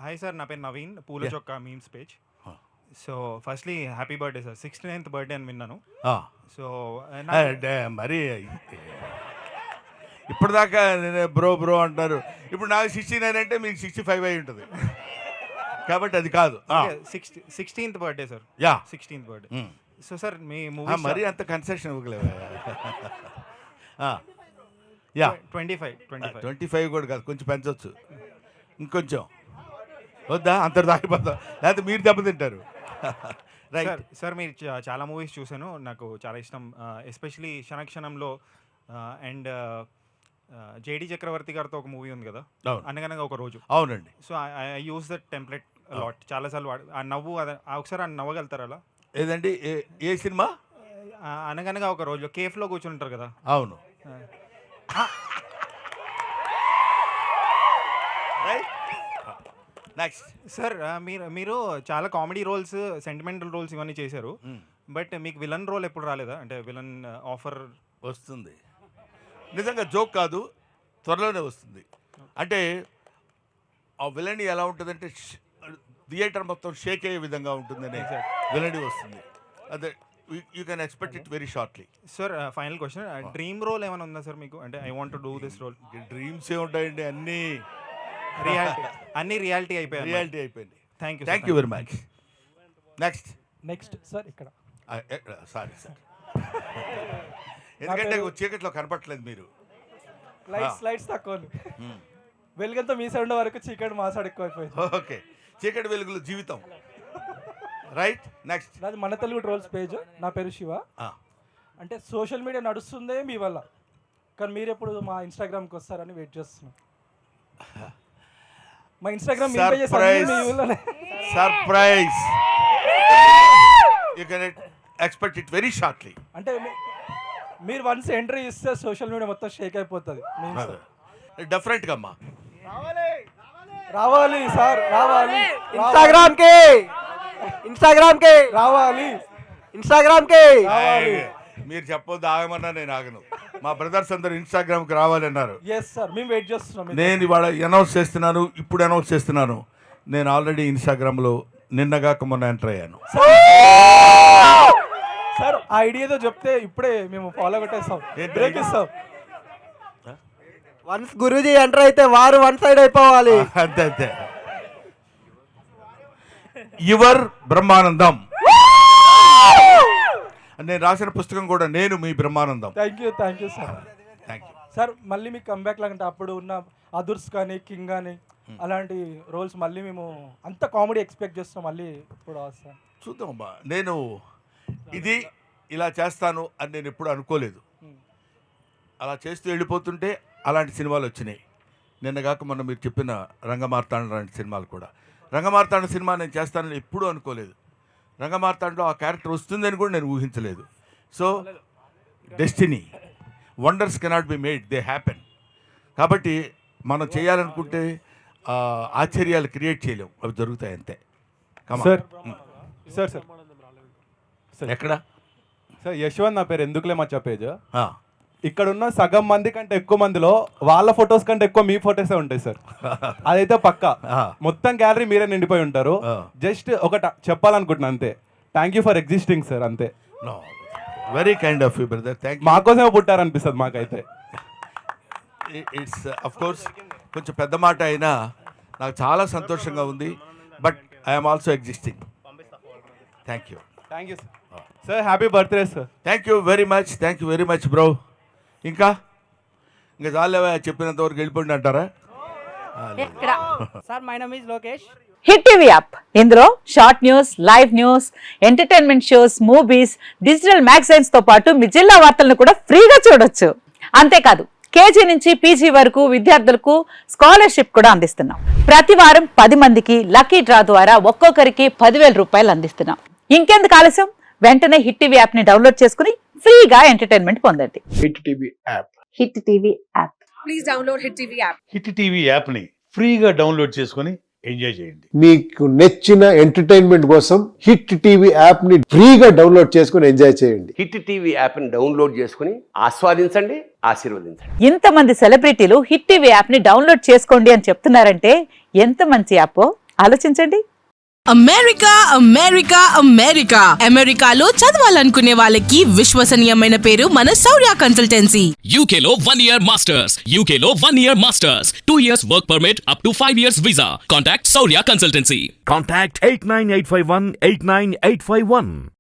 Hi sir, నా పేరు Naveen, Poola Chokka memes page. So firstly happy birthday sir, 69th birthday అని విన్నాను. సో మరి ఇప్పటిదాకా బ్రో బ్రో అంటారు, ఇప్పుడు నాకు 69 అంటే మీకు 65 అయి ఉంటుంది కాబట్టి అది కాదు. 16th birthday sir. Yeah 16th birthday. So sir మీ మూవీ మరీ అంత కన్సెషన్ ఇవ్వలేవా? యా 25 కూడా కాదు, కొంచెం పెంచవచ్చు, ఇంకొంచెం వద్దా? అంతటి దాకిపోతా, లేకపోతే మీరు దెబ్బతింటారు. రైట్ సార్, మీరు చాలా మూవీస్ చూశాను, నాకు చాలా ఇష్టం. ఎస్పెషలీ క్షణక్షణంలో అండ్ జేడి చక్రవర్తి గారితో ఒక మూవీ ఉంది కదా, అనగనగా ఒక రోజు. అవునండి. So I use that template lot, చాలాసార్లు ఆ నవ్వు ఒకసారి ఆ నవ్వగలుగుతారు అలా? ఏదండి? ఏ సినిమా? అనగనగా ఒక రోజు కేఫ్లో కూర్చుని ఉంటారు కదా. అవును. రైట్. నెక్స్ట్ సార్, మీరు చాలా కామెడీ రోల్స్, సెంటిమెంటల్ రోల్స్ ఇవన్నీ చేశారు, బట్ మీకు విలన్ రోల్ ఎప్పుడు రాలేదా? అంటే విలన్ ఆఫర్ వస్తుంది, నిజంగా జోక్ కాదు, త్వరలోనే వస్తుంది. అంటే ఆ విలన్ ఎలా ఉంటుందంటే థియేటర్ మొత్తం షేక్ అయ్యే విధంగా ఉంటుందనే విలన్ వస్తుంది. అదే you can expect it very shortly. Sir, final question, dream role ఏమైనా ఉందా సార్ మీకు? అంటే I want to do this role. Dreams ఏ ఉంటాయండి, అన్ని రియాలిటీ అయిపోయింది. Thank you very much. Next sir ఇక్కడ సారీ సార్, ఎందుకంటే చీకట్లో కనపట్లేదు మీరు. లైట్స్ తక్కువ, వెలుగంతా మీ సైడ్ ఉండే వరకు చీకటి మా సైడ్ ఎక్కువ అయిపోయింది. ఓకే, చీకటి వెలుగులు జీవితం. రైట్. నెక్స్ట్ నాది మన తెలుగు ట్రోల్స్ పేజ్. నా పేరు శివ. అంటే సోషల్ మీడియా నడుస్తుందే మీ వల్ల, కానీ మీరు ఎప్పుడు మా ఇన్స్టాగ్రామ్కి వస్తారని వెయిట్ చేస్తున్నాం. మా Instagram surprise, you can expect it very shortly. అంటే మీరు వన్స్ ఎంట్రీ ఇస్తే సోషల్ మీడియా మొత్తం షేక్ అయిపోతుంది. డెఫినెట్గా అమ్మా రావాలి సార్, రావాలి ఇన్స్టాగ్రామ్కి రావాలి. మీరు చెప్పొద్దు, ఆగమన్నా నేను ఆగను. మా బ్రదర్స్ అందరూ ఇన్స్టాగ్రామ్కి రావాలన్నారు. మేము వెయిట్ చేస్తున్నాం. నేను ఇవాళ అనౌన్స్ చేస్తున్నాను, ఇప్పుడు అనౌన్స్ చేస్తున్నాను, నేను ఆల్రెడీ ఇన్స్టాగ్రామ్లో నిన్నగాక మొన్న ఎంటర్ అయ్యాను. సార్, ఆ ఐడియాతో చెప్తే ఇప్పుడే మేము ఫాలో కొట్టేస్తాం, బ్రేక్ ఇస్తాం. వన్స్ గురూజీ ఎంటర్ అయితే వారు వన్ సైడ్ అయిపోవాలి. అంతే. యువర్ బ్రహ్మానందం, నేను రాసిన పుస్తకం కూడా నేను మీ Brahmanandam. Thank you sir. Thank you sir. మళ్ళీ మీకు కంబ్యాక్ లాగంటే అప్పుడు ఉన్న అదుర్స్ కానీ కింగ్ కానీ అలాంటి రోల్స్ మళ్ళీ మేము అంత కామెడీ ఎక్స్పెక్ట్ చేస్తాం, మళ్ళీ ఇప్పుడు వస్తాం. చూద్దామమ్మా, నేను ఇది ఇలా చేస్తాను అని నేను ఎప్పుడు అనుకోలేదు. అలా చేస్తూ వెళ్ళిపోతుంటే అలాంటి సినిమాలు వచ్చినాయి. నిన్నగాక మొన్న మీరు చెప్పిన రంగమార్తాండ లాంటి సినిమాలు కూడా. రంగమార్తాండ సినిమా నేను చేస్తానని ఎప్పుడూ అనుకోలేదు. రంగమార్తాండలో ఆ క్యారెక్టర్ వస్తుందని కూడా నేను ఊహించలేదు. So destiny, wonders cannot be made, they happen. కాబట్టి మనం చేయాలనుకుంటే ఆశ్చర్యాలు క్రియేట్ చేయలేం, అవి జరుగుతాయి అంతే. సార్ ఎక్కడ సార్? యశ్వంత్ నా పేరు, ఎందుకులే మచ్చా పేజ్. ఇక్కడ ఉన్న సగం మంది కంటే ఎక్కువ మందిలో వాళ్ళ ఫొటోస్ కంటే ఎక్కువ మీ ఫొటోసే ఉంటాయి సార్. అదైతే పక్కా. మొత్తం గ్యాలరీ మీరే నిండిపోయి ఉంటారు. జస్ట్ ఒకటి చెప్పాలనుకుంటున్నా అంతే, thank you for existing sir, అంతే. Very kind of you brother, thank you. మాకోసమే పుట్టారనిపిస్తుంది మాకైతే. ఇట్స్ అఫ్ కోర్స్ కొంచెం పెద్ద మాట అయినా నాకు చాలా సంతోషంగా ఉంది, but I'm also existing. Thank you sir. Happy birthday sir. Thank you very much bro. ఇంకా చాలేవా, చెప్పినంత వరకు వెళ్ళిపోండి అంటారా? Sir, my name is Lokesh. Hit TV app, ఇందులో short news, live news, entertainment shows, movies, digital magazines తో పాటు మీ జిల్లా వార్తలను కూడా ఫ్రీగా చూడొచ్చు. అంతేకాదు, కేజీ నుంచి పీజీ వరకు విద్యార్థులకు స్కాలర్షిప్ కూడా అందిస్తున్నాం. ప్రతి వారం 10 మందికి లక్కీ డ్రా ద్వారా ఒక్కొక్కరికి 10,000 రూపాయలు అందిస్తున్నాం. ఇంకెందుకు ఆలస్యం, వెంటనే హిట్ టీవీ యాప్ ని డౌన్లోడ్ చేసుకుని ఫ్రీగా ఎంటర్టైన్మెంట్ పొందండి. Hit TV app. Hit TV app. Please download hit TV app. Hit TV app ని ఫ్రీగా డౌన్లోడ్ చేసుకొని ఎంజాయ్ చేయండి. మీకు నచ్చిన ఎంటర్టైన్మెంట్ కోసం హిట్ టీవీ యాప్ ని ఫ్రీగా డౌన్లోడ్ చేసుకొని ఎంజాయ్ చేయండి. హిట్ టీవీ యాప్ ని డౌన్లోడ్ చేసుకొని ఆస్వాదించండి, ఆశీర్వదించండి. ఇంతమంది సెలబ్రిటీలు హిట్ టీవీ యాప్ ని డౌన్లోడ్ చేసుకోండి అని చెప్తున్నారంటే ఎంత మంచి యాప్. ఆలోచించండి. అమెరికా అమెరికా అమెరికా అమెరికాలో చదవాలనుకునే వాళ్ళకి విశ్వసనీయమైన పేరు మన శౌర్య కన్సల్టెన్సీ. UK లో 1 year masters, UK లో 1 year masters, 2 years work permit up to 5 years visa. Contact Saurya Consultancy. Contact 89851 89851.